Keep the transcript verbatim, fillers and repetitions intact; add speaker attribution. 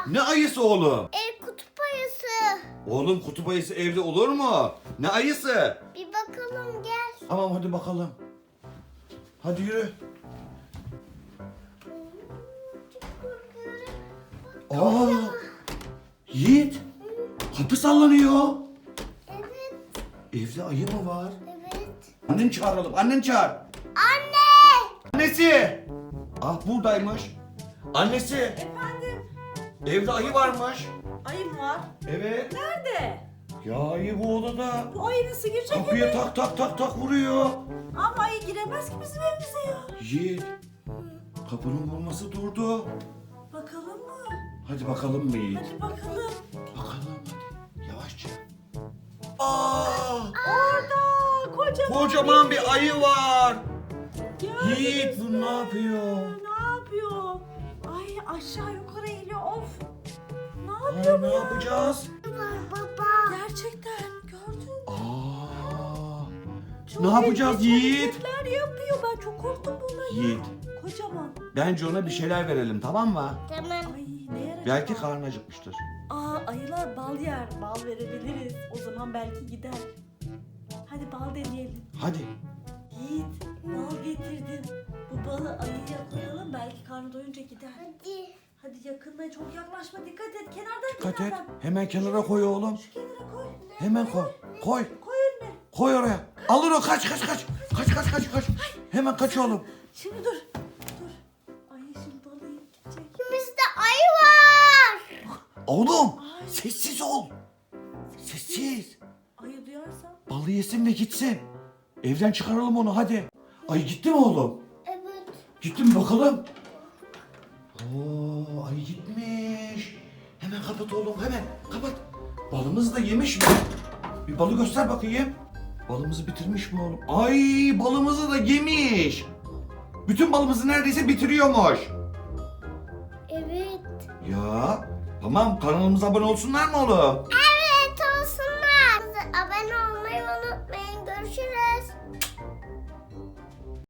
Speaker 1: Ne ayısı oğlum?
Speaker 2: E kutup ayısı.
Speaker 1: Oğlum kutup ayısı evde olur mu? Ne ayısı?
Speaker 2: Bir bakalım gel.
Speaker 1: Tamam hadi bakalım. Hadi yürü. Aa! Yiğit. Kapı sallanıyor.
Speaker 2: Evet.
Speaker 1: Evde ayı mı var?
Speaker 2: Evet.
Speaker 1: Annen çağıralım. Annen çağır.
Speaker 2: Anne.
Speaker 1: Annesi. Ah buradaymış. Annesi.
Speaker 3: Efendim,
Speaker 1: Evde ayı varmış.
Speaker 3: ayım var.
Speaker 1: Evet.
Speaker 3: Nerede?
Speaker 1: Ya ayı bu odada.
Speaker 3: Bu ayı nasıl girecek
Speaker 1: Kapıya
Speaker 3: eve?
Speaker 1: tak tak tak tak vuruyor.
Speaker 3: Ama ayı giremez ki bizim evimize ya.
Speaker 1: Yiğit. Kapının vurması durdu.
Speaker 3: Bakalım mı?
Speaker 1: Hadi bakalım mı Yiğit?
Speaker 3: Hadi bakalım.
Speaker 1: Bakalım hadi. Yavaşça. Aa!
Speaker 3: Orada kocaman,
Speaker 1: Kocaman bir ayı var.
Speaker 3: Gördünüz
Speaker 1: Yiğit bu
Speaker 3: mü?
Speaker 1: ne yapıyor?
Speaker 3: Ne yapıyor? Ay aşağı yukarı eğiliyor. Of. Ne
Speaker 1: Aa,
Speaker 3: yapıyor bu
Speaker 1: ne
Speaker 3: ya?
Speaker 1: yapacağız?
Speaker 2: Var baba.
Speaker 3: Gerçekten gördün mü?
Speaker 1: Aa!
Speaker 3: Çok
Speaker 1: Ne yapacağız
Speaker 3: ilginç
Speaker 1: Yiğit?
Speaker 3: hareketler yapıyor. Ben çok korktum bundan ya.
Speaker 1: Yiğit.
Speaker 3: Kocaman.
Speaker 1: Bence ona bir şeyler verelim tamam mı?
Speaker 2: Tamam.
Speaker 3: Ay ne yarar
Speaker 1: Belki
Speaker 3: acaba?
Speaker 1: karnı acıkmıştır.
Speaker 3: Aa ayılar bal yer. Bal verebiliriz. O zaman belki gider. Hadi bal deneyelim.
Speaker 1: Hadi.
Speaker 3: Yiğit bal getirdim. Bu balı ayıya koyalım belki karnı doyunca gider.
Speaker 2: Hadi.
Speaker 3: Hadi yakınına çok yaklaşma dikkat et. Kenardan
Speaker 1: Dikkat et.
Speaker 3: kenardan.
Speaker 1: Hemen kenara koy oğlum.
Speaker 3: Şu kenara koy.
Speaker 1: Hemen koy. Koy.
Speaker 3: Koy önüne.
Speaker 1: Koy oraya. Alır o kaç kaç kaç. Kaç kaç kaç kaç. Hemen kaç oğlum.
Speaker 3: Şimdi dur. Dur. Ayı şimdi balı yiyip gidecek.
Speaker 2: Bizde ayı var.
Speaker 1: Oğlum
Speaker 3: Ay.
Speaker 1: sessiz ol. Sessiz.
Speaker 3: Ayı duyarsa.
Speaker 1: Balı yesin ve gitsin. Evden çıkaralım onu hadi. Ay gitti mi oğlum?
Speaker 2: Evet.
Speaker 1: Gitti mi bakalım? Oo, ay gitmiş. Hemen kapat oğlum hemen kapat. Balımızı da yemiş mi? Bir balı göster bakayım. Balımızı bitirmiş mi oğlum? Ay balımızı da yemiş. Bütün balımızı neredeyse bitiriyormuş.
Speaker 2: Evet.
Speaker 1: Ya tamam kanalımıza abone olsunlar mı oğlum?